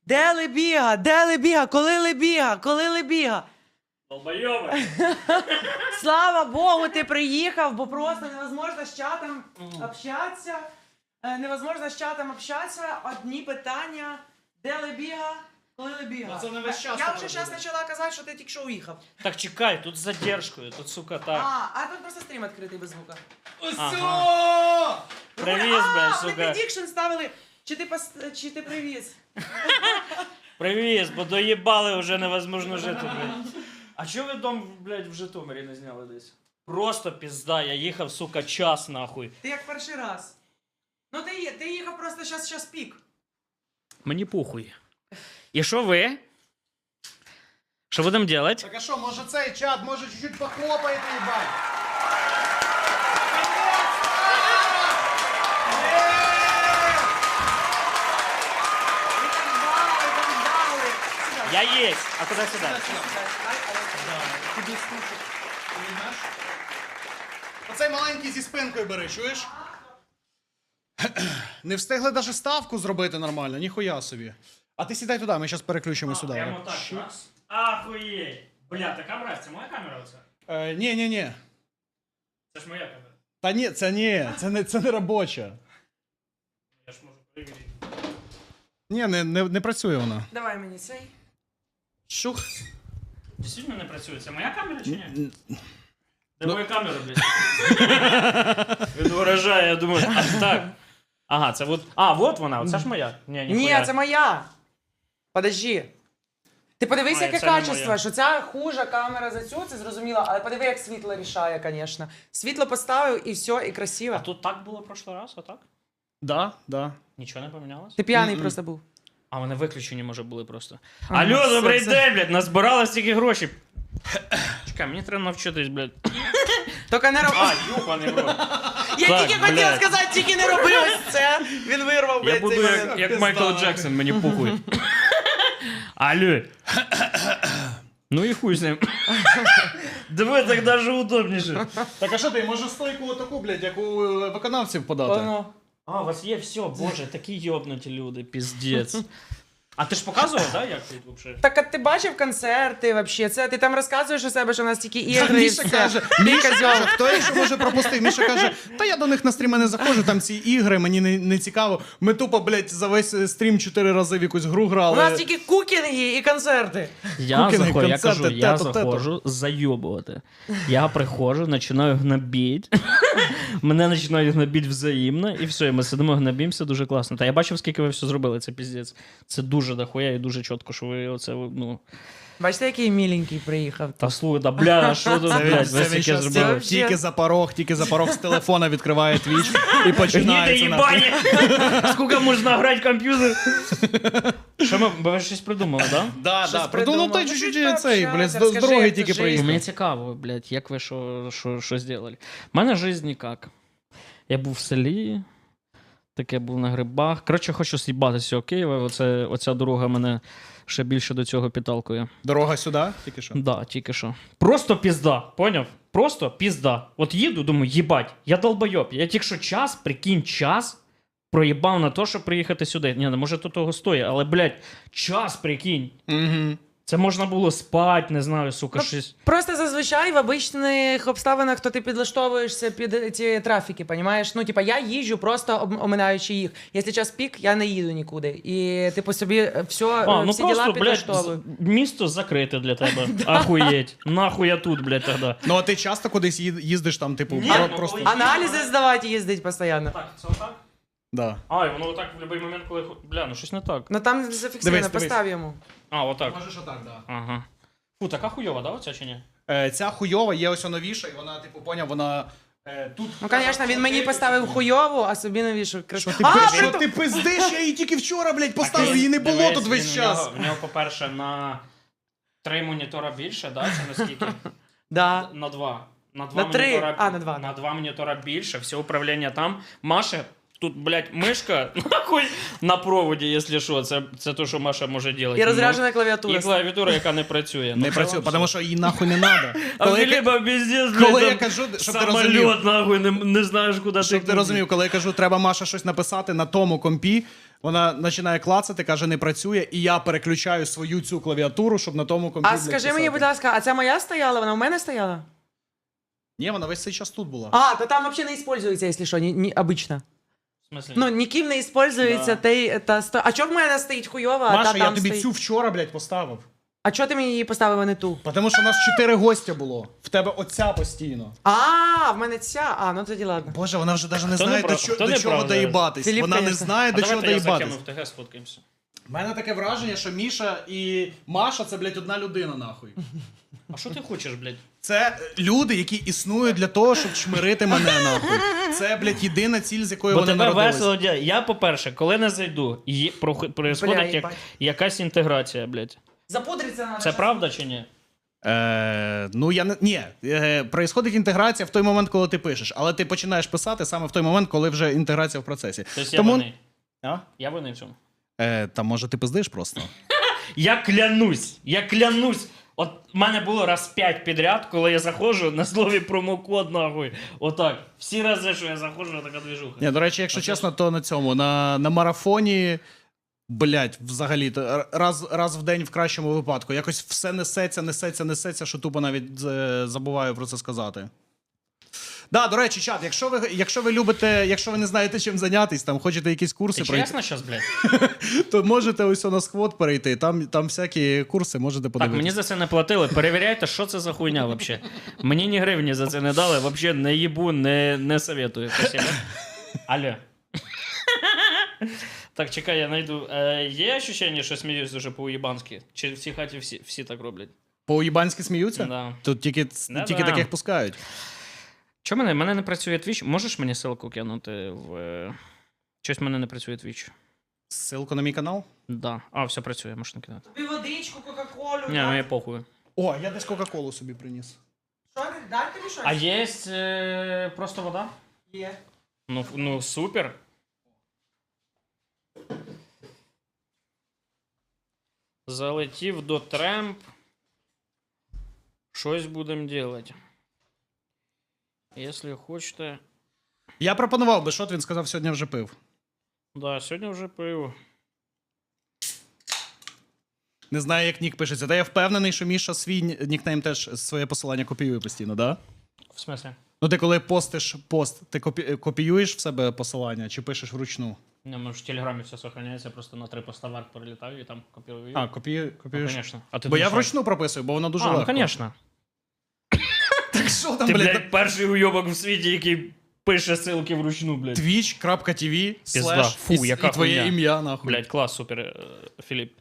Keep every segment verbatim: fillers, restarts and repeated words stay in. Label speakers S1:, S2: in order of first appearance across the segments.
S1: Де Лебіга? Де Лебіга? Коли Лебіга? Коли Лебіга?
S2: Долбойоби.
S1: Слава Богу, ти приїхав, бо просто невозможно з чатом общатися. Е, Невозможно з чатом общатися. Одні питання. Де Лебіга? Коли Лебіга?
S3: Ну, це не весь час
S1: Я
S3: так
S1: вже
S3: робити.
S1: зараз почала казати, що ти тільки що уїхав.
S2: Так чекай, тут з задержкою, тут, сука, так.
S1: А, а тут просто стрім відкритий без звука.
S2: Ага. Привіз,
S1: А,
S2: блядь,
S1: вони
S2: сука.
S1: предікшн ставили. Чи ти, пос... чи ти привіз?
S2: Привіз, бо доїбали, вже невозможно жити, блядь. А чого ви дом, блядь, в Житомирі не зняли десь? Просто пізда, я їхав, сука, час, нахуй.
S1: Ти як перший раз. Ну ти, є- ти їхав просто щас, щас пік.
S2: Мені похуй. І що ви? Що будемо робити?
S3: Так а що, може цей чат, може чуть-чуть похлопаєте, їбать?
S1: Ви так ждали, так ждали. Сюди.
S2: Я єсть. А куди сюди?
S3: Тобі стучить. Візьмеш? Оцей маленький зі спинкою бери, чуєш? Не встигли навіть ставку зробити нормально, ніхуя собі. А ти сідай туди, ми зараз переключимо сюди.
S2: Прямо так, раз. Ахуєть. Бля, та камера, це моя камера оце?
S3: Е, ні, ні, ні.
S2: Це ж моя камера.
S3: Та ні, це ні, це не, це не робоча.
S2: Я ж можу перевірити.
S3: Ні, не, не, не працює вона.
S1: Давай мені цей.
S3: Шух.
S2: Дійсно не працює. Це моя камера чи ні?
S3: Н-
S2: Де моя камера, блядь? Він вражає, я думаю, а так. Ага, це от. А, от вона, оце ж моя. Ні, ніхуя.
S1: Ні, це моя. Подожди. Ти подивись,
S2: А,
S1: яке
S2: це не
S1: качество,
S2: моя.
S1: що ця хужа камера за цю, це зрозуміло, але подиви, як світло рішає, звісно. Світло поставив і все, і красиво.
S2: А тут так було в прошлий раз, а так?
S3: Да, да.
S2: Нічого не помінялось?
S1: Ти п'яний
S3: Мгм.
S1: просто був.
S2: А вони виключені, може, були просто.
S1: Ага,
S2: Алло,
S1: все,
S2: добрий
S1: все.
S2: день, блядь, назбирали стільки грошей. Чекай, мені треба навчитись, блядь.
S1: Тільки не роби.
S2: А, юпаний в рот.
S1: Я
S2: так,
S1: тільки хотів
S2: блядь.
S1: сказати, тільки не роби ось це. Він вирвав, блядь,
S2: Я буду
S1: цей
S2: як,
S1: момент.
S2: як
S3: Пизда,
S2: Майкл
S3: нахуй.
S2: Джексон, мені похуй. Алло. Ну і хуй з ним. Диви, так даже удобніше.
S3: Так а що ти, може стойку отаку, блядь, як у е, виконавців подати?
S1: Воно.
S2: А, у вас є все, боже, такі йобнуті люди, піздець. А ти ж показував, да, як тут вообще?
S1: Так, а ти бачив концерти вообще? Це ти там розказуєш у себе, що у нас тільки
S3: Та
S1: ігри і
S3: Міша
S1: все.
S3: каже,
S1: Ти
S3: Міша
S1: козьол.
S3: каже, хто якщо може пропустив? Міша каже, та я до них на стріми не заходжу, там ці ігри, мені не, не цікаво. Ми тупо, блядь, за весь е, стрім чотири рази в якусь гру
S1: У
S3: грали.
S1: нас тільки кукінги і концерти.
S2: Я
S3: Кукіни,
S2: заходжу, я
S3: концерти,
S2: кажу, я
S3: тето, тето.
S2: заходжу зайобувати. Я приходжу, починаю гнобіть. Мене починають гнобіть взаємно, і все, і ми сидимо, гнобімося, дуже класно. Та я бачив, скільки ви все зробили, це піздець. Це дуже дохуя і дуже чітко, що ви оце, ну...
S1: Бачите, який міленький приїхав.
S2: Та слухай, да бля, а що тут,
S3: Це він,
S2: блядь,
S3: це
S2: ви
S3: він
S2: таке
S3: щас
S2: зробили?
S1: Це-
S3: тільки за порог, тільки за порог з телефона відкриває твіч і
S2: Гніде
S3: починається. нахуй.
S2: їбані! Скільки можна грати в комп'ютер? Що ми, ви щось придумали, да?
S3: Да,
S1: Щось
S3: да,
S1: придумав.
S3: ну той
S1: Ну,
S3: чуть-чуть
S1: чуть
S3: цей,
S1: пообщайся,
S3: блядь, з з
S1: розкажи,
S3: дороги
S1: як
S3: тільки
S1: це
S2: Ну,
S3: приїхав.
S2: мені цікаво, блядь, як ви що, що, що зробили. У мене життя ніяк. Я був в селі, таке був на грибах. Коротше, хочу з'їбати з цього Києва. Оце, оця дорога мене ще більше до цього підталкує.
S3: Дорога сюди, тільки що.
S2: Да, тільки що. Просто пізда, поняв? Просто пізда. От їду, думаю, їбать, я долбойоб. Я тільки що час, прикинь, час проїбав на те, щоб приїхати сюди. Ні, не може то того стоїть, але, блядь, час, прикинь.
S3: Угу.
S2: Це можна було спати, не знаю, сука,
S1: Ну,
S2: щось.
S1: Просто зазвичай в обичних обставинах, то ти підлаштовуєшся під ці трафіки, понімаєш? Ну, типа, я їжджу просто об- оминаючи їх. Якщо час пік, я не їду нікуди. І типу собі все,
S2: А, ну
S1: всі
S2: просто,
S1: діла
S2: блядь,
S1: підлаштовую.
S2: з- місто закрите для тебе. Ахуєть. Нахуй я тут, блядь, тоді.
S3: Ну а ти часто кудись їд- їздиш там, типу,
S2: Ні,
S3: про-
S2: ну,
S3: просто.
S2: коли-
S1: Аналізи здавати їздить постійно.
S2: Так, це отак?
S3: Да.
S2: А, і воно отак в будь-який момент, коли... Бля, ну щось не так.
S1: Ну там зафіксовано,
S3: Дивись, дивись.
S1: постав йому.
S2: А, отак.
S3: Можеш отак, да.
S2: Ага. Фу, така хуйова, да, оця чи ні?
S3: Е, ця хуйова є ось новіша, і вона, типу, поняв, вона е, тут.
S1: Ну, звісно, він мені поставив хуйову, а собі навіщо
S3: Що
S1: красиво.
S3: ти,
S1: А,
S3: що
S1: притом-
S3: ти пиздиш? Я її тільки вчора, блядь, поставив,
S2: Так,
S3: її не було
S2: дивись,
S3: тут весь
S2: він-
S3: час.
S2: В нього, в нього, по-перше, на три монітора більше, да, чи наскільки?
S1: Да.
S2: На два. На два
S1: На три.
S2: монітора,
S1: А, на два,
S2: На
S1: да.
S2: два монітора більше, все управління там. Маша, тут, блядь, мишка, нахуй, на проводі, якщо що. Це, це то, що Маша може робити.
S1: І розряджена
S2: І
S1: клавіатура.
S2: клавіатура, яка не працює.
S3: Не працює, тому що їй нахуй не треба.
S2: А
S3: Коли, я,
S2: Філіпа піздець,
S3: коли
S2: блядь,
S3: я
S2: там
S3: кажу, щоб ти розумів,
S2: самоліт, нахуй, не, не знаєш, куди
S3: щоб ти розумів, коли я кажу, треба Маша щось написати на тому компі, Вона починає клацати, каже, не працює, і я переключаю свою цю клавіатуру, щоб на тому комп'ютері.
S1: А скажи мені, будь ласка, а ця моя стояла? Вона у мене стояла?
S3: Ні, вона весь цей час тут була.
S1: А, то там взагалі не использується, якщо що, ні, ні, обично.
S2: В смислі?
S1: Ну, ніким не использується
S2: Да.
S1: та, та сто... А чого в мене стоїть хуйова, а
S3: Маша,
S1: та
S3: я
S1: там
S3: тобі
S1: стоїть?
S3: цю вчора, блядь, поставив.
S1: А чого ти мені її поставив, а не ту?
S3: Тому що у нас чотири гостя було. В тебе оця постійно.
S1: А, в мене ця. А, ну тоді ладно.
S3: Боже, вона вже навіть не
S2: Хто
S3: знає,
S2: не
S3: до,
S2: прав-
S3: чо-
S2: хто
S3: до
S2: не
S3: чого
S2: прав
S3: доїбатись.
S1: Філіп,
S3: Вона не
S1: конечно.
S3: знає,
S2: А
S3: до чого
S2: давайте я
S3: доїбатись.
S2: закину в ТГ, сфоткаємося.
S3: У мене таке враження, що Міша і Маша це, блядь, одна людина, нахуй.
S2: А що ти хочеш, блядь?
S3: Це люди, які існують для того, щоб чмирити мене, нахуй. Це, блядь, єдина ціль, з якою
S2: Бо
S3: вони
S2: тебе
S3: народились.
S2: весело дя- Я, по-перше, коли не зайду, є,
S1: Бля,
S2: происходить як,
S1: їбать.
S2: якась інтеграція, блядь.
S1: Запудриться надо.
S2: Це правда чи ні?
S3: Е, ну, я не. Ні, е, происходить інтеграція в той момент, коли ти пишеш, але ти починаєш писати саме в той момент, коли вже інтеграція в процесі.
S2: Тобто
S3: Тому-
S2: я винний.
S3: А?
S2: Я винний в цьому.
S3: Е, та може ти пиздиш просто.
S2: Я клянусь, я клянусь. От в мене було раз п'ять підряд, коли я заходжу на слові промокод, нахуй. Отак. Всі рази, що я заходжу, така движуха.
S3: Ні, до речі, якщо
S2: Оце
S3: чесно, то на цьому, на, на марафоні. Блять, взагалі, то раз, раз в день в кращому випадку. Якось все несеться, несеться, несеться, що тупо навіть е, забуваю про це сказати. Да, до речі, чат, якщо ви, якщо ви любите, якщо ви не знаєте, чим зайнятися, там хочете якісь курси
S2: Ти
S3: пройти,
S2: чесно щас, блядь?
S3: то можете ось на сквот перейти. Там, там всякі курси можете
S2: Так,
S3: подивитися.
S2: мені за це не платили. Перевіряйте, що це за хуйня вообще. Мені ні гривні за це не дали, вообще не їбу, не, не советую. Спасибо. Алло. Так, чекай, я знайду. Е, є ощущення, що сміюсь дуже по-уєбанськи? Чи в цій хаті всі, всі так роблять?
S3: По-уїбанськи сміються?
S2: Да.
S3: Тут тільки,
S2: Да-да.
S3: тільки таких пускають.
S2: Чому мене? Мене не працює Twitch? Можеш мені ссылку кинути в. е, Щось в мене не працює Twitch.
S3: Ссылку на мій канал?
S2: Да. А, все працює, можна кинути.
S1: Тобі водичку, кока-колю.
S2: Ні, ну я похуй.
S3: О, я десь Кока-Колу собі приніс.
S1: Що, дай тобі щось?
S2: А є е, просто вода?
S1: Є.
S2: Ну, ну супер. Залетів до Тремп. Щось будемо делать. Якщо хочете.
S3: Я пропонував би, що він сказав, сьогодні вже пив.
S2: Да, сьогодні вже пиво.
S3: Не знаю, як нік пишеться. Та я впевнений, що Міша свій ні- нікнейм теж своє посилання копіює постійно, да?
S2: В смысле?
S3: Ну ти коли постиш пост, ти копі... копіюєш в себе посилання чи пишеш вручну?
S2: Не, може в Телеграмі все сохраняється, просто на три поста варк прилітаю і там копірую.
S3: А, копію...
S2: ну,
S3: копіюєш?
S2: конечно. А ти
S3: Бо я
S2: думаєш,
S3: вручну прописую, бо воно дуже
S2: а,
S3: легко.
S2: ну, конечно.
S3: Так що там,
S2: Ти,
S3: блядь,
S2: блядь, перший уйобок в світі, який пише ссылки вручну, блядь.
S3: twitch.tv слеш
S2: Фу,
S3: і,
S2: яка
S3: і твоє
S2: хуйня.
S3: ім'я, нахуй.
S2: Блядь, клас, супер, е, Філіп.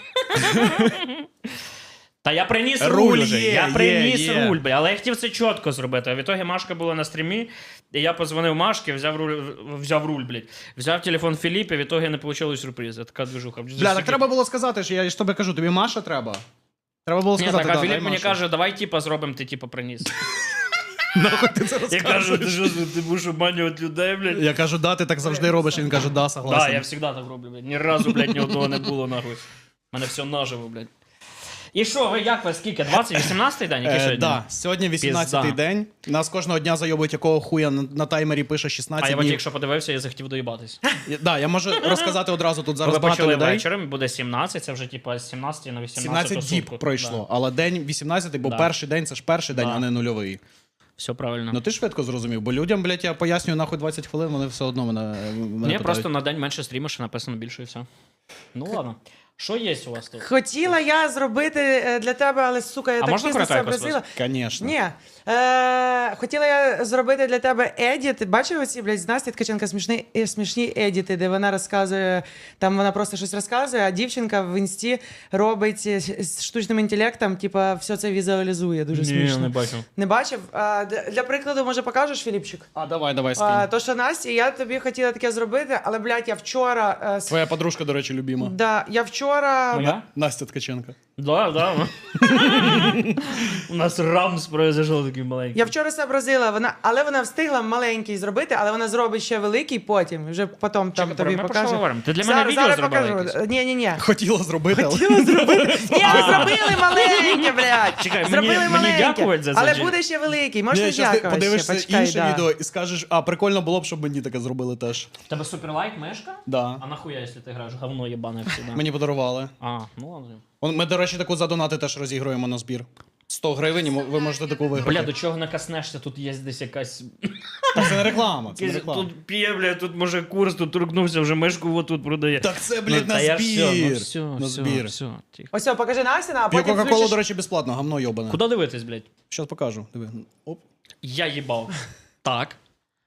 S2: Та я приніс
S3: Руль
S2: руль вже,
S3: є,
S2: я
S3: є,
S2: приніс
S3: є.
S2: руль, бля, але я хотів це чітко зробити. А в ітогі Машка була на стрімі, і я позвонив Машки, взяв руль, взяв руль, блядь. Взяв телефон Філіпа, в ітогі не вийшло сюрпризу. Така движуха.
S3: Бля, так треба було сказати, що я ж тобі кажу, тобі Маша треба. Треба було
S2: Ні,
S3: сказати,
S2: так, а
S3: да, дай
S2: Філіп мені
S3: Машу.
S2: каже, давай типа зробимо, ти типа приніс.
S3: Нахуй ти це
S2: Я
S3: розказуєш?
S2: кажу, ти що, ти будеш обманювати людей, блядь?
S3: Я кажу, да, ти так завжди робиш, і він каже, да,
S2: Да,
S3: согласен.
S2: я завжди так роблю, блядь. Ні разу, блядь, ні одного не було, нахуй. У мене все наживо, блядь. І що, ви як ви, скільки? двадцять, вісімнадцятий день? Який
S3: Е,
S2: сьогодні?
S3: да, сьогодні вісімнадцятий
S2: Пізда.
S3: день. Нас кожного дня зайобують, якого хуя на, на таймері пише
S2: А
S3: шістнадцять
S2: я от
S3: днів.
S2: якщо подивився, я захотів доїбатись.
S3: Я- Да, я можу розказати одразу тут зараз
S2: Ви
S3: багато
S2: почали
S3: людей.
S2: вечором, буде сімнадцять, це вже типа з сімнадцяти на вісімнадцяту
S3: сімнадцять діб
S2: сутку.
S3: пройшло,
S2: Да.
S3: але день вісімнадцятий, бо
S2: Да.
S3: перший день це ж перший день,
S2: Да.
S3: а не нульовий.
S2: Все правильно.
S3: Ну ти швидко зрозумів, бо людям, блядь, я пояснюю нахуй двадцять хвилин, вони все одно мене, мене
S2: Ні,
S3: питають.
S2: просто на день менше стрімиш, написано більше і все. Ну ладно. Що є у вас тут?
S1: Хотіла я зробити е, для тебе, але, сука, я
S2: А
S1: так
S2: можна
S1: пізно
S2: коротенько
S1: сообразила.
S3: Конечно.
S1: Ні. Е, хотіла я зробити для тебе едіт. Бачив оці, блядь, з Насті Ткаченка смішні, е, смішні едіти, де вона розказує, там вона просто щось розказує, а дівчинка в інсті робить е, з штучним інтелектом, типа, все це візуалізує. Дуже смішно.
S2: бачу.
S1: Не бачив? А, д- для прикладу, може, покажеш, Філіпчик?
S3: А давай, давай, скинь.
S1: А, то, що Насті, я тобі хотіла таке зробити, але, блядь, я вчора... е, с-
S3: Твоя подружка, до речі, любима.
S1: Да, я вчора вчора.
S2: Моя?
S3: Настя Ткаченко.
S2: Да, да. У нас рамс произошов такий маленький.
S1: Я вчора сообразила, вона, але вона встигла маленький зробити, але вона зробить ще великий потім. Вже потім там
S2: Чекай,
S1: тобі
S2: ми про що
S1: покаже.
S2: говоримо? Ти для мене
S1: Зараз,
S2: відео
S1: зараз
S2: зробила
S1: покажу.
S2: якесь?
S1: Ні, ні, ні.
S3: Хотіла зробити, але...
S1: Хотіла зробити. Ні, ви зробили маленьке, блядь.
S2: Чекай, мені-
S1: зробили
S2: мені
S1: маленьке.
S2: дякувати за це
S1: Але
S2: чи-
S1: буде ще великий. Можна
S3: Ні, щас ти
S1: дякувати
S3: подивишся
S1: ще. Почекай,
S3: інше
S1: да.
S3: відео і скажеш, а прикольно було б, щоб мені таке зробили теж.
S2: В тебе суперлайк мешка?
S3: Да.
S2: А нахуя, якщо ти граєш говно єбане всегда?
S3: Мені подарували.
S2: А, ну ладно.
S3: Он- Ми, до речі, таку за донати теж розігруємо на збір. сто гривень, і мо- ви можете таку виграти.
S2: Бля, до чого накоснешся? Тут є десь якась...
S3: Так це не реклама, це не
S2: якась-
S3: реклама.
S2: Тут п'є, бля, тут може курс, тут торкнувся, вже мишку отут продає.
S3: Так це, блядь,
S2: Ну,
S3: на
S2: та я
S3: збір.
S2: Все, ну, все,
S3: На
S2: все,
S3: збір.
S2: все, тихо.
S1: Ось, все, покажи Настя, а
S3: П'ю
S1: потім
S3: Кока-Колу,
S1: включиш.
S3: до речі, безплатно, гамно йобане.
S2: Куди дивитись, блядь?
S3: Щас покажу. Диви. Оп.
S2: Я їбав. Так.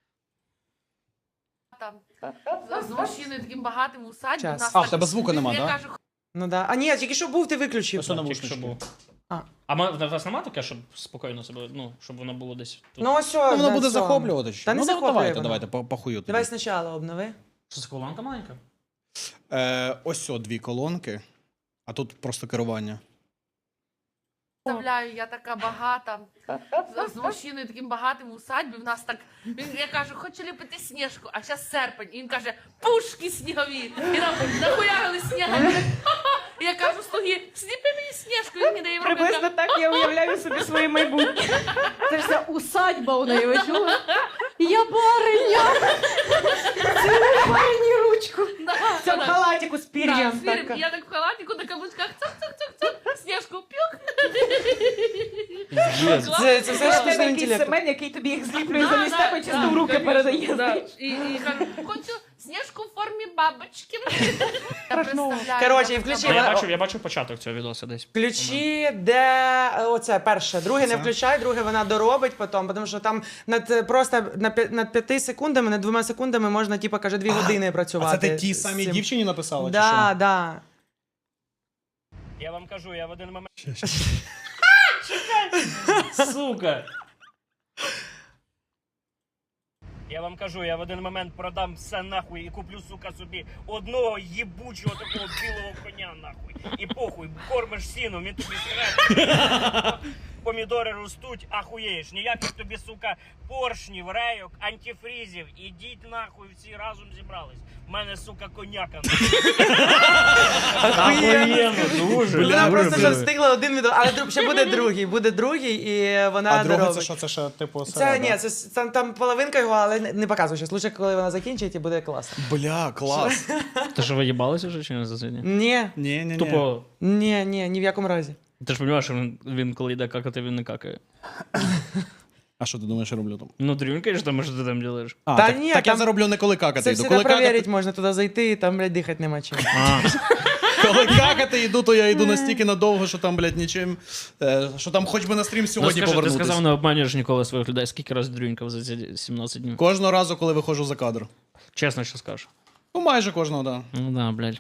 S4: Там з мужчиною таким багатим у саді.
S1: Час.
S4: у нас
S3: А, в
S4: так-
S3: тебе звука нема,
S4: я
S3: да?
S4: кажу,
S1: Ну да. А ні, тільки що був, ти виключив.
S3: Ось воно
S2: Тільки
S3: навушнички.
S2: що був.
S1: А.
S2: А ми- в вас нема таке, щоб спокійно себе, ну, щоб воно було десь тут?
S1: Ну ось, все,
S3: Ну, воно
S1: на
S3: буде
S1: цьому.
S3: захоплювати. чи?
S1: Та не
S3: Ну,
S1: захоплює
S3: давайте,
S1: воно.
S3: давайте, по- похую тобі.
S1: Давай спочатку обнови.
S2: Що це колонка маленька?
S3: Е, ось о, дві колонки, а тут просто керування.
S4: представляю, я така багата. З, з мужчиною таким багатим у садьбі. В нас так. Він, я кажу, хочу ліпити сніжку, а зараз серпень. І він каже, пушки снігові. І нам нахуярили снігом. І я кажу, слуги, сліпи мені сніжку, він мені дає в руки.
S5: Приблизно так я уявляю собі своє майбутнє. Це ж вся усадьба у неї, ви чули? Я бариня! Цілуй барині ручку.
S4: Да,
S5: В цьому
S4: да.
S5: халатику з
S4: Да,
S5: пір'ям.
S4: з фірм.
S5: така.
S4: Я так в халатику на каблучках, цок-цок-цок-цок, сніжку п'юх.
S1: Це, це все
S5: Це в тебе
S1: штучний
S5: якийсь
S1: інтелект.
S5: Семен, який тобі їх зліплює
S4: Да,
S5: замість
S4: да,
S5: тебе, чисто
S4: да,
S5: в руки
S4: конечно,
S5: передає.
S4: да.
S5: знаєш.
S4: І, і кажу, хочу сніжку в формі бабочки. Я представляю.
S1: Коротше, і
S4: як
S1: включи,
S2: Ну, я
S1: вона-
S2: бачив, я бачив початок цього відоса десь.
S1: Ключі, де е, оце перше. Друге не
S3: Це?
S1: включай, друге вона доробить потім, тому що там над е, просто на п'я- над п'яти секундами, над двома секундами можна, типу, каже, дві години
S3: А
S1: працювати.
S3: це ти ті
S1: з
S3: самі
S1: цим.
S3: дівчині написала, чи
S1: Да,
S3: що?
S1: да.
S2: Я вам кажу, я в один момент... Сука! Я вам кажу, я в один момент продам все нахуй і куплю, сука, собі одного їбучого такого білого коня нахуй. І похуй, кормиш сіном, він тобі сире. Помідори ростуть, ахуєєш. Ніяких тобі, сука, поршнів, рейок, антифрізів. Ідіть нахуй, всі разом зібрались. В мене, сука, коняка. Ахуєнно, дуже.
S1: Вона
S2: дуже,
S1: просто вже
S2: дуже.
S1: встигла один відео, але друг- ще буде другий, буде другий, і вона
S3: А друге
S1: доробить.
S3: це що? Це ще типу
S1: Це
S3: середа?
S1: ні, це с- там, там половинка його, але не, не показуй щас. Лучше, коли вона закінчить, і буде класно.
S3: Бля, клас.
S2: Ти що, ви їбалися вже чи не за сьогодні?
S1: Ні,
S3: Ні, ні, ні.
S2: Тупо.
S1: ні, ні, ні в якому разі.
S2: Ти ж розумієш, що він, він коли йде какати, він не какає.
S3: А що ти думаєш, я роблю там?
S2: Ну, дрюнькаєш там, що ти там робиш.
S3: А,
S1: Та
S3: так,
S1: ні,
S3: так я
S1: там-
S3: зароблю не коли какати
S1: Це
S3: йду.
S1: все
S3: Коли
S1: перевірити
S3: какати,
S1: можна туди зайти, і там, блядь, дихати нема чим.
S2: А,
S3: коли какати йду, то я йду настільки надовго, що там, блядь, нічим. е, Що там хоч би на стрім
S2: ну
S3: сьогодні
S2: скажи, ти
S3: повернутися.
S2: сказав, не обманюєш ніколи своїх людей. Скільки раз дрюнькав за ці сімнадцять днів?
S3: Кожного разу, коли виходжу за кадр.
S2: Чесно, що скажеш.
S3: Ну, майже кожного, да.
S2: Ну да, блядь.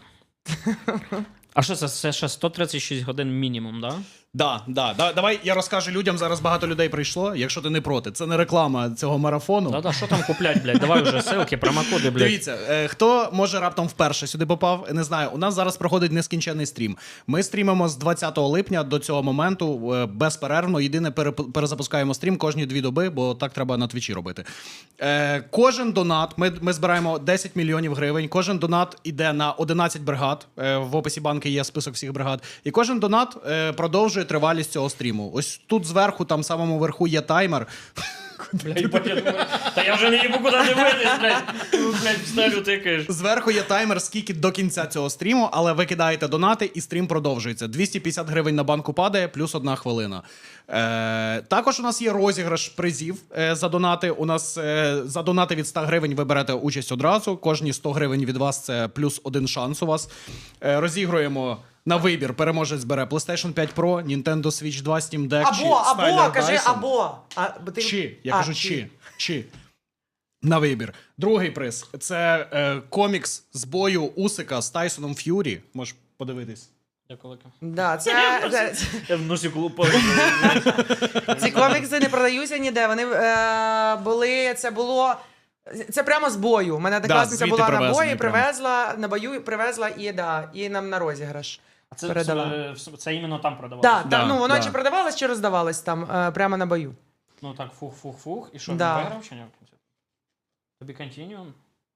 S2: А що це? Це ще сто тридцять шість годин мінімум, да?
S3: Да, да, да. Давай я розкажу людям, зараз багато людей прийшло, якщо ти не проти. Це не реклама цього марафону.
S2: Да-да, що там куплять, блядь? Давай вже ссылки, промокоди, блядь.
S3: Дивіться, е, хто може раптом вперше сюди попав, не знаю. У нас зараз проходить нескінченний стрім. Ми стрімимо з двадцятого липня до цього моменту е, безперервно. Єдине переп- перезапускаємо стрім кожні дві доби, бо так треба на твічі робити. Е, кожен донат, ми, ми збираємо десять мільйонів гривень. Кожен донат іде на одинадцять бригад. Е, в описі банки є список всіх бригад. І кожен донат е, продовжує тривалість цього стріму. Ось тут зверху, там самому верху є таймер.
S2: Блядь, я думаю, та я вже не їбу куди дивитись, блядь. Ну, блядь, в стелю тикаєш.
S3: Зверху є таймер, скільки до кінця цього стріму, але ви кидаєте донати, і стрім продовжується. двісті п'ятдесят гривень на банку падає, плюс одна хвилина. Е, також у нас є розіграш призів е, за донати. У нас е, за донати від сто гривень ви берете участь одразу. Кожні сто гривень від вас це плюс один шанс у вас. Е, розігруємо на вибір. Переможець бере PlayStation п'ять Pro, Nintendo Switch два, Steam Deck чи
S1: Або, або,
S3: Snyder
S1: кажи
S3: Dyson.
S1: або. А, бо ти...
S3: Чи, я
S1: А,
S3: кажу, чи. чи. На вибір. Другий приз це е, комікс з бою Усика з Тайсоном Ф'юрі. Можеш подивитись.
S2: Дякую.
S1: Да, це, це,
S2: Я в носі колупав.
S1: ці комікси не продаються ніде. Вони е, були, це було Це прямо з бою. У мене однокласниця
S3: звідти
S1: була на
S3: привезені
S1: бої,
S3: прямо.
S1: привезла, на бою привезла і, да, і нам на розіграш.
S2: А це,
S1: Передала.
S2: це, це іменно там продавалося?
S1: Так,
S3: Да,
S1: так, ну воно
S3: да.
S1: чи продавалось, чи роздавалось там, е, прямо на бою.
S2: Ну так, фух-фух-фух. І що,
S1: Да.
S2: він виграв чи ні? Тобі континіум?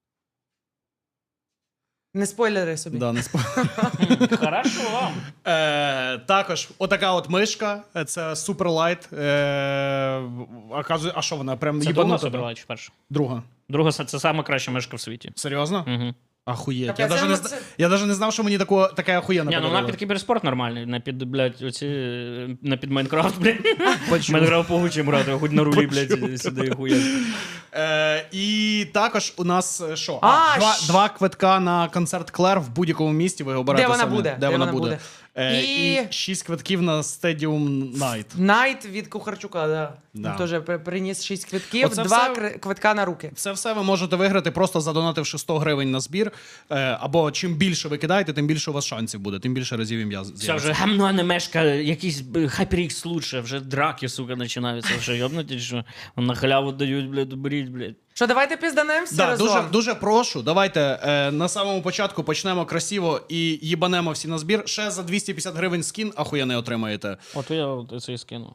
S1: Не спойлери собі.
S3: Да, не спо...
S2: Хорошо.
S3: Е, також отака от мишка, е, це суперлайт. Е, а, кажу- а що вона? Прям
S2: Це
S3: їбанута,
S2: друга
S3: да?
S2: собрала чи перша?
S3: Друга.
S2: Друга це сама краща мишка в світі.
S3: Серйозно?
S2: Угу.
S3: Ахуєть.
S1: Так,
S3: Я
S1: а
S3: навіть
S1: це-
S3: не,
S1: це-
S3: зна- я даже не знав, що мені таку, таке охуєнне
S2: Ні, ну вона
S3: подарували.
S2: під кіберспорт нормальний, на під, блядь, оці, на під Майнкрафт, блядь.
S3: Почув.
S2: Майнкрафт погучим грати, хоч на рулі, блядь, сюди хуя.
S3: Е, і також у нас е, що?
S1: А,
S3: два,
S1: щ-
S3: два квитка на концерт Клер в будь-якому місті. Ви обираєте
S1: Де вона
S3: самі,
S1: буде?
S3: Де, вона буде. Е, і...
S1: І-
S3: шість квитків на Stadium Night.
S1: Найт від Кухарчука, да.
S3: Да.
S1: Він теж при- приніс шість квитків,
S3: Оце
S1: два
S3: все-
S1: кри- квитка на руки.
S3: Це все ви можете виграти, просто задонативши сто гривень на збір. Е, або чим більше ви кидаєте, тим більше у вас шансів буде, тим більше разів ім'я
S2: Все,
S3: з'явиться.
S2: вже гамно не мешка, якийсь HyperX лучше, вже драки, сука, починаються, вже йобнуті, що на халяву дають, блядь, беріть, блядь.
S1: Що, давайте пізданемо всі
S3: Да,
S1: разом?
S3: дуже, дуже прошу. Давайте е, на самому початку почнемо красиво і їбанемо всі на збір. Ще за двісті п'ятдесят гривень скін ахуєнний отримаєте.
S2: От я от це і скину.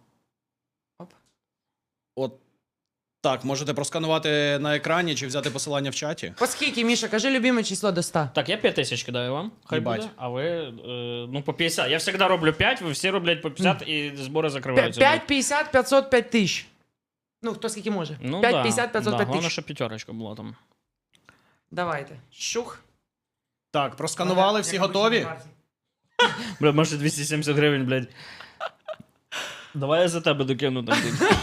S3: От так, можете просканувати на екрані чи взяти посилання в чаті.
S1: По скільки, Міша, кажи любиме число до ста.
S2: Так, я п'ять тисяч кидаю вам, хай
S3: Їбать.
S2: буде, а ви, е, ну, по п'ятдесят. Я завжди роблю п'ять, ви всі роблять по п'ятдесят, і збори закриваються.
S1: п'ять п'ятдесят п'ятсот п'ять тисяч. Ну, хто скільки може.
S2: Ну,
S1: п'ять
S2: да,
S1: п'ятдесят п'ятсот
S2: да,
S1: п'ять
S2: головне,
S1: тисяч.
S2: щоб п'ятерочка була там.
S1: Давайте. Щух.
S3: Так, просканували, всі готові?
S2: Бля, може двісті сімдесят гривень, блядь. Давай я за тебе докину там.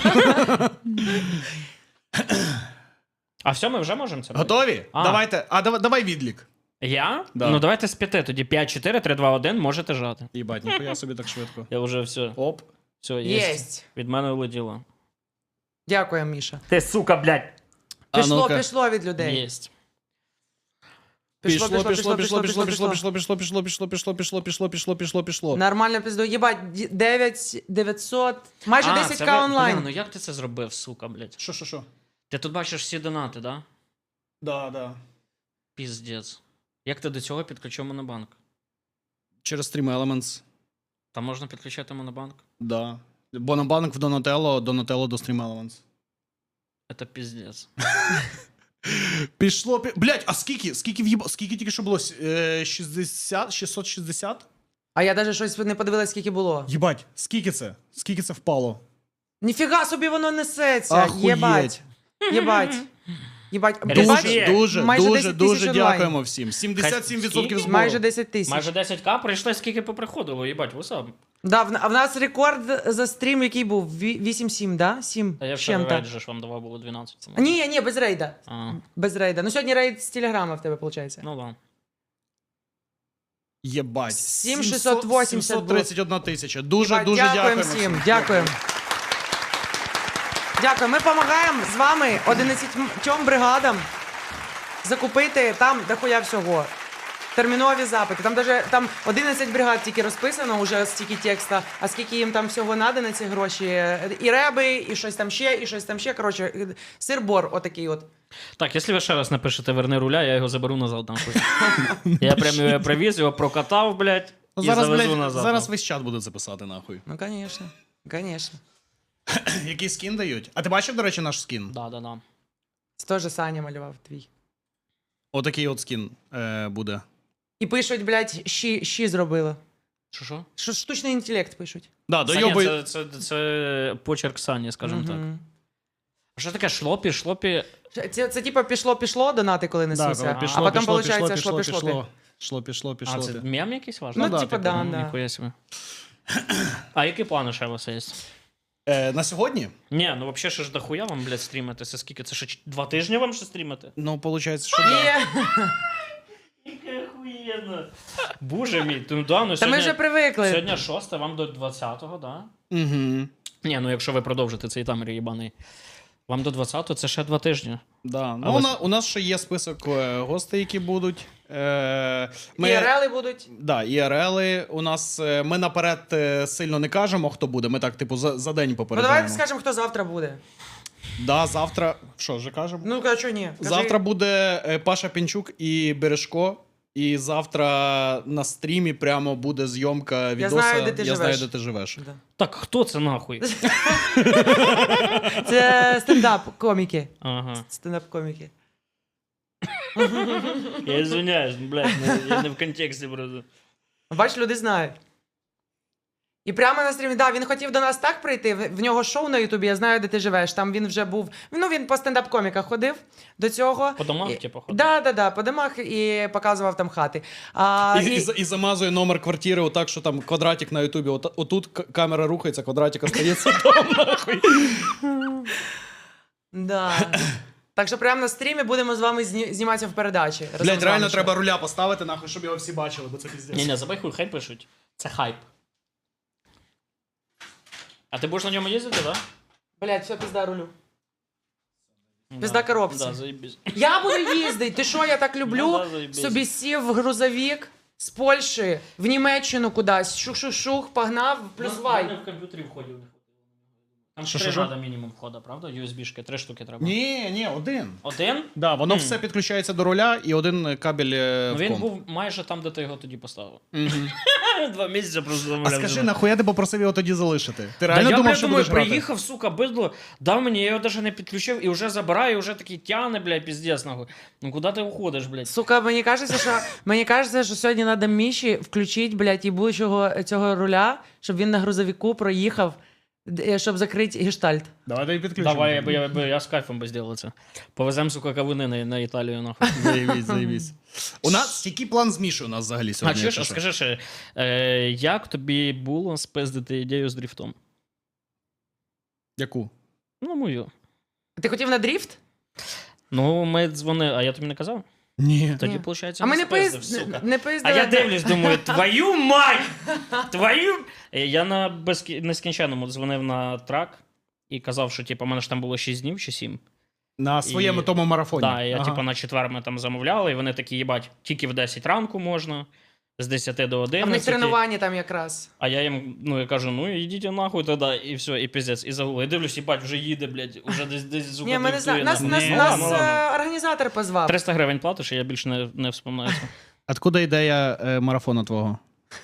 S2: А все, ми вже можемо це?
S3: Готові?
S2: А.
S3: Давайте. А давай, давай відлік.
S2: Я?
S3: Да.
S2: Ну давайте з п'яти, тоді п'ять, чотири, три, два, один, можете жати.
S3: Їбать, ніхуя собі так швидко.
S2: Я вже все,
S3: Оп.
S2: все, є.
S1: Єсть.
S2: Від мене улетіло.
S1: Дякую, Міша.
S2: Ти, сука, блядь.
S3: А
S1: Пішло,
S3: ну-ка.
S1: пішло від людей.
S2: Єсть.
S3: Пішло, пішло, пішло, пішло, пішло, пішло, пішло, пішло, пішло, пішло, пішло, пішло, пішло, пішло, пішло, пішло.
S1: Нормально пізду. Єбать, дев'ять дев'ятсот, майже
S2: А,
S1: десять
S2: це
S1: ка
S2: ви-
S1: онлайн.
S2: Бля, ну як ти це зробив, сука, блядь?
S3: Що, що, що?
S2: Ти тут бачиш всі донати, да?
S3: Да, да.
S2: Піздець. Як ти до цього підключив монобанк?
S3: Через Stream Elements.
S2: Там можна підключати монобанк?
S3: Да. Бо на банк в Donatello, Donatello до Stream Elements.
S2: Це піздець.
S3: Пішло, пі... Блять, а скільки? Скільки в'їба... Скільки тільки що було? Е, шістдесят? шістсот шістдесят?
S1: А я навіть щось не подивилась, скільки було.
S3: Єбать, скільки це? Скільки це впало?
S1: Ніфіга собі воно несеться.
S3: Ахуєть.
S1: Єбать. Єбать. Єбать.
S2: Дуже,
S1: Бач,
S2: Є.
S3: дуже,
S1: майже
S3: дуже,
S1: десять
S3: дуже
S1: тисяч онлайн.
S3: дякуємо всім. сімдесят сім відсотків
S2: Скільки?
S3: збору.
S1: Майже десять тисяч.
S2: Майже десять к прийшли, скільки поприходило, їбать, вусап.
S1: Да, в, а в нас рекорд за стрім, який був? Ві- вісім сім, да? сім
S2: А я вчора
S1: чим-то.
S2: рейд же ж вам давав було дванадцять. Це
S1: Ні, ні, без рейда.
S2: А,
S1: Без рейда. Ну сьогодні рейд з телеграма в тебе, виходить.
S2: ну да.
S3: Єбать.
S1: сім шістсот вісімдесят
S3: сімсот тридцять одна тисяча. Дуже,
S1: Єбать,
S3: дуже
S1: дякуємо
S3: дякуємо
S1: всім. Дякуємо. Дякую. Ми допомагаємо з вами одинадцятьом бригадам закупити там дохуя всього. Термінові запити. Там даже там одинадцять бригад тільки розписано, уже стільки текста, а скільки їм там всього надо на ці гроші. І реби, і щось там ще, і щось там ще. Коротше, сир-бор отакий от.
S2: Так, якщо ви ще раз напишете «Верни руля», я його заберу назад. Нахуй. Я прям його привіз, його прокатав, блядь,
S3: Ну,
S2: і
S3: зараз,
S2: завезу
S3: блядь,
S2: назад.
S3: зараз весь чат буде записати, нахуй.
S1: Ну, звісно. Звісно.
S3: Який скін дають? А ти бачив, до речі, наш скін?
S2: Да, да, да.
S1: Це теж Саня малював твій.
S3: Отакий от скін е, буде.
S1: І пишуть, блядь, щі, щі зробили.
S2: Що, що?
S1: Що штучний інтелект пишуть.
S3: Да,
S2: Саня,
S3: дойобуй...
S2: це, це, це почерк Сані, скажімо так.
S1: Мгм.
S2: А що таке шлопі, шлопі?
S1: Це, це типа пішло-пішло, донати, коли
S3: Да,
S1: несуться.
S3: коли пішло,
S1: а потім,
S3: пішло,
S1: виходить,
S3: пішло, пішло,
S1: шлопі-шлопі.
S3: пішло. Шло, пішло, пішло.
S2: А, це
S3: ти.
S2: мем якийсь ваш?
S1: Ну,
S3: да,
S1: типа,
S3: типу,
S1: да,
S2: Ну,
S1: да.
S2: ніхуя собі. А які плани ще у вас є?
S3: Е, на сьогодні?
S2: Ні, ну взагалі ще ж дохуя вам, блядь, стрімити. Це скільки? Це ще ч- два тижні вам ще стрімити?
S3: Ну, виходить, що да.
S1: Є.
S2: Яке охуєнно. Боже мій, ну да, ну
S1: Та ми
S2: сьогодні...
S1: вже привикли.
S2: Сьогодні шосте, вам до двадцятого, да?
S3: Угу.
S2: Ні, ну якщо ви продовжите цей тамер їбаний. Вам до двадцятого це ще два тижні.
S3: Да. Ну,
S2: Але-
S3: у, нас, у нас ще є список е, гостей, які будуть. Е, ми...
S1: ІРЛи будуть.
S3: Да, ІРЛи. У нас е, ми наперед е, сильно не кажемо, хто буде. Ми так, типу, за, за день
S1: Ну
S3: попереджаємо.
S1: давайте скажемо, хто завтра буде.
S3: Да, завтра. Що, вже кажемо?
S1: Ну, а чого ні? Кажи.
S3: Завтра буде е, Паша Пінчук і Бережко. І завтра на стрімі прямо буде зйомка відоса
S1: знаю, де ти
S3: «Я
S1: живеш».
S3: знаю, де ти живеш.
S1: Да.
S2: Так, хто це нахуй?
S1: Це стендап-коміки.
S2: Ага.
S1: Стендап-коміки.
S2: Я извиняюсь, блядь, ну, я не в контексті просто.
S1: Бач, люди знають. І прямо на стрімі, да, він хотів до нас так прийти. В в нього шоу на Ютубі, я знаю, де ти живеш. Там він вже був. Ну, він по стендап-коміках ходив до цього.
S2: По домах,
S1: І-
S2: типу, ходив?
S1: Да, да, да, по домах і показував там хати. А,
S3: І,
S1: і-
S3: і, за- і замазує номер квартири отак, що там квадратик на Ютубі. От, отут к- камера рухається, квадратик остається там, нахуй.
S1: Да. Так що прямо на стрімі будемо з вами зні- зніматися в передачі. разом
S3: Блять,
S1: з вами
S3: реально
S1: ще.
S3: треба руля поставити, нахуй, щоб його всі бачили, бо це піздець.
S2: Ні-ні, забай хуй, хай пишуть. Це хайп. А ти будеш на ньому їздити, так?
S1: Блять, все, пизда рулю.
S2: Да?
S1: Пизда коробці.
S2: Да, заєбісь.
S1: Я буду їздити. Ти що, я так люблю?
S2: Ну да, заєбісь.
S1: Собі сів в грузовик з Польщі в Німеччину кудись. Шух-шух-шух, погнав, плюс
S2: Ну,
S1: вай.
S2: в комп'ютері входів не хватило. Там
S3: Що,
S2: три
S3: що, що?
S2: треба мінімум входа, правда? ю ес бі-шки, три штуки треба.
S3: Ні, ні, один.
S2: Один?
S3: Да, воно
S2: Мгм.
S3: все підключається до руля і один кабель е,
S2: Ну
S3: в
S2: він
S3: комп.
S2: був майже там, де ти його тоді поставив.
S3: Мгм.
S2: Два місяці просто
S3: А
S2: замовляв.
S3: скажи, нахуя ти попросив його тоді залишити? Ти
S2: Да
S3: реально
S2: я,
S3: думав,
S2: блядь,
S3: що
S2: думаю,
S3: будеш грати?
S2: приїхав, сука, бидло, дав мені, я його навіть не підключив, і вже забираю, і вже такий тяне, блядь, піздець, нахуй. Ну куди ти уходиш, блядь?
S1: Сука, мені кажеться, що мені кажеться, що сьогодні треба Міші включити, блядь, їбучого цього руля, щоб він на грузовику проїхав, д- щоб закрити гештальт.
S3: Давай підключимо.
S2: Давай, я, б- я, б- я з кайфом би зробив це. Повеземо, сука, кавуни на, на Італію, нахуй.
S3: Заєбісь, заєбісь. У нас, який план з Мішою у нас взагалі
S2: А
S3: сьогодні?
S2: чи
S3: якщо
S2: ж,
S3: що?
S2: скажи ще, е, як тобі було спиздити ідею з дріфтом?
S3: Яку?
S2: Ну, мою.
S1: Ти хотів на дріфт?
S2: Ну, ми дзвонили, а я тобі не казав?
S3: Ні.
S2: Тоді,
S1: Ні.
S2: виходить,
S1: А ми не
S2: спиздив,
S1: поїзд...
S2: сука.
S1: не
S2: А
S1: поїздили.
S2: я дивлюсь, думаю, твою мать! Твою... Е, Я на безкі... нескінченному дзвонив на трак і казав, що типу, у мене ж там було шість днів чи сім.
S3: На своєму
S2: І-
S3: тому марафоні.
S2: Так, я
S3: Ага.
S2: типу на четвер ми там замовляли, і вони такі, їбать, тільки в десять ранку можна, з десяти до
S1: А в
S2: одинадцяти.
S1: них тренування там якраз.
S2: А я їм, ну, я кажу, ну ідіть нахуй тоді, і все, і піздець, і загули. І дивлюсь, їбать, вже їде, блядь, уже десь десь звука
S1: Ні, ми не знаємо. Нас, нас,
S3: Ні.
S1: нас
S2: Ну, ладно.
S1: е, організатор позвав.
S2: триста гривень платиш, і я більше не, не вспоминаю це.
S3: Откуда ідея е, марафону твого?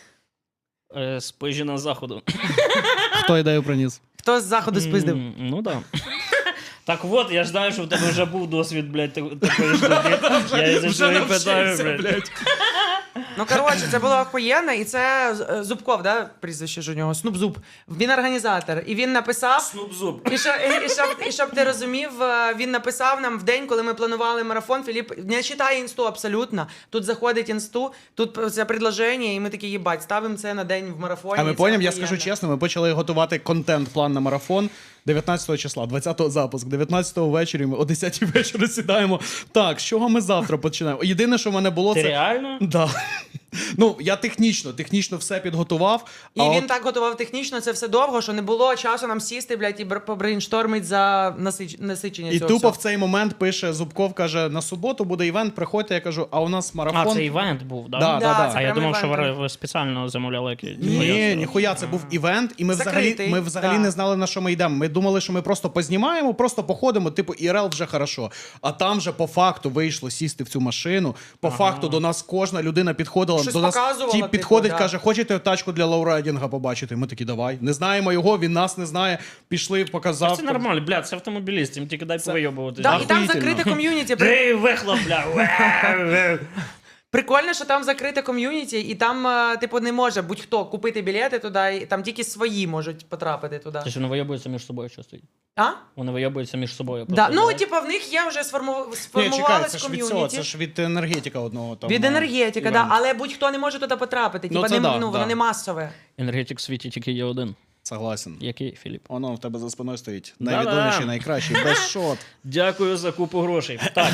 S2: Е, з Пижіна заходу.
S3: Хто ідею приніс?
S1: Хто з заходу спиздив?
S2: М, Ну да. Так от, я ж знаю, що в тебе вже був досвід, блядь, так- такої штуки. Я і за цього і питаю, блядь.
S1: Ну, коротше, це було охуєнно, і це е, Зубков, да, прізвище ж у нього, Снуп Зуб. Він організатор, і він написав,
S2: Снуп зуб.
S1: і, що, і, і, щоб, і щоб ти розумів, е, він написав нам в день, коли ми планували марафон, Філіп не читає інсту абсолютно, тут заходить інсту, тут це предложення, і ми такі, їбать, ставимо це на день в марафоні.
S3: А ми
S1: і це
S3: поняв, я
S1: охуєнно.
S3: скажу чесно, ми почали готувати контент-план на марафон дев'ятнадцятого числа, двадцятого запуск, дев'ятнадцятого ввечері ми о десятій вечора сідаємо. Так, з чого ми завтра починаємо? Єдине, що в мене було,
S2: Ти
S3: це...
S2: реально?
S3: Да. Ну, я технічно, технічно все підготував.
S1: І
S3: а
S1: він
S3: от...
S1: так готував технічно це все довго, що не було часу нам сісти, блядь, і бр- побрейнштормить за насич... насичення
S3: І
S1: цього
S3: тупо
S1: всього.
S3: в цей момент пише Зубков, каже, на суботу буде івент, приходьте, я кажу, а у нас марафон.
S2: А, це івент був, да?
S3: Да,
S1: Да,
S3: да, да.
S1: це
S2: А я
S1: прям
S2: думав, що
S1: івент.
S2: ви, ви спеціально замовляли якісь.
S3: Ні, ніхуя, це був івент, і ми взагалі,
S1: Закритий,
S3: ми взагалі
S1: да.
S3: не знали, на що ми йдемо. Ми думали, що ми просто познімаємо, просто походимо, типу, ІРЛ вже хорошо. А там вже по факту вийшло сісти в цю машину. По
S2: Ага.
S3: факту до нас кожна людина підходила,
S1: Щось
S3: до нас
S1: показувала,
S3: тіп
S1: типу,
S3: підходить,
S1: да.
S3: каже, хочете тачку для лоурайдінга побачити? Ми такі, давай. Не знаємо його, він нас не знає. Пішли, показав.
S2: Це нормально, бля, це автомобіліст, їм тільки дай повийобувати.
S1: Да, і там
S3: Охуїтельно.
S1: закрите ком'юніті. При-
S2: Ей, вихлоп, бля.
S1: Прикольно, що там закрите ком'юніті, і там, е, типу, не може будь-хто купити білети туди, і там тільки свої можуть потрапити туди.
S2: Тобто вони вийобуються між собою часто.
S1: А?
S2: Вони вийобуються між собою.
S1: Да.
S2: просто,
S1: Ну,
S2: да?
S1: типу, в них є вже сформу...
S3: Ні,
S1: сформувалась
S3: чекай, це ж від цього,
S1: ком'юніті.
S3: це ж від енергетика одного там.
S1: Від
S3: е,
S1: енергетика, да,
S3: івенту.
S1: але будь-хто не може туди потрапити.
S3: Ну,
S1: Типа,
S3: це
S1: не,
S3: да,
S1: ну, воно
S3: да.
S1: не масове.
S2: Енергетик в світі тільки є один.
S3: Согласен.
S2: Який, Філіп?
S3: Воно в тебе за спиною стоїть.
S2: Да-да.
S3: Найвідоміший, найкращий, без шот.
S2: Дякую за купу грошей. Так.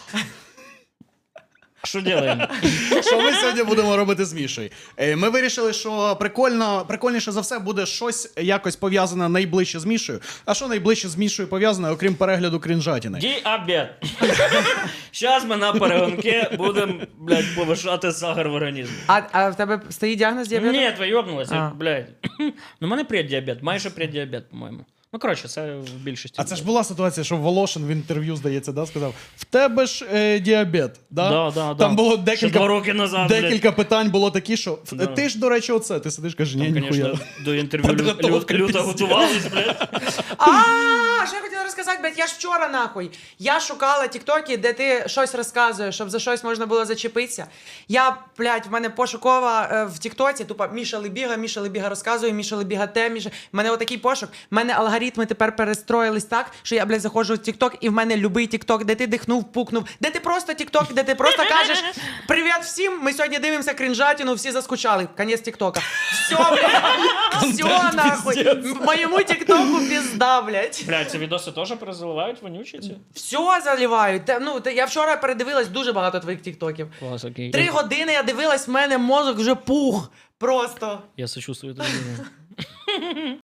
S2: Що робимо?
S3: Що ми сьогодні будемо робити з Мішою? Е, Ми вирішили, що прикольно, прикольніше за все буде щось якось пов'язане найближче з Мішою. А що найближче з Мішою пов'язане, окрім перегляду крінжатіни?
S2: Діабет. Зараз ми на перегонки будемо, блядь, повишати сахар в організмі.
S1: А, а в тебе стоїть діагноз діабету?
S2: Ні, ви йобнулися,
S1: А.
S2: блядь. Ну, в мене преддіабет, майже преддіабет, по-моєму. Ну, коротше, це в більшості.
S3: А це ж була ситуація, що Волошин в інтерв'ю, здається, да, сказав: в тебе ж е, діабет. Да?
S2: Да, да,
S3: Там
S2: да.
S3: було
S2: Ще два
S3: декілька,
S2: роки назад, блядь.
S3: декілька питань було такі, що
S2: Да.
S3: ти ж, до речі, оце. Ти сидиш, кажеш, ні,
S2: Там,
S3: ніхуя.
S2: звісно, до інтерв'ю лю-
S3: Підготовка
S2: лю- люто
S3: пиздец.
S2: готувались, блядь.
S1: А, що я хотіла розказати, блядь, я ж вчора нахуй. Я шукала тіктоки, де ти щось розказуєш, щоб за щось можна було зачепитися. Я, блядь, в мене пошукова е, в тіктоці, тупо Міша Лебіга, Міша Лебіга розказує, Міша Лебіга те, Міша. В мене отакий пошук. В мене алгоритми тепер перестроїлись так, що я, блядь, заходжу в тікток, і в мене любий тікток, де ти дихнув, пукнув, де ти просто тікток, де ти просто кажеш привіт всім, ми сьогодні дивимося крінжатіну, всі заскучали. Конець тіктока. Все, блядь, все нахуй. Моєму тіктоку пізда, блядь.
S2: Блядь, ці відоси теж перезаливають вонючі ці?
S1: Все заливають. Та, ну, та, я вчора передивилась дуже багато твоїх тіктоків.
S2: Клас, окей.
S1: Три години я дивилась, в мене мозок вже пух. Просто.
S2: Я сочувствую тобі.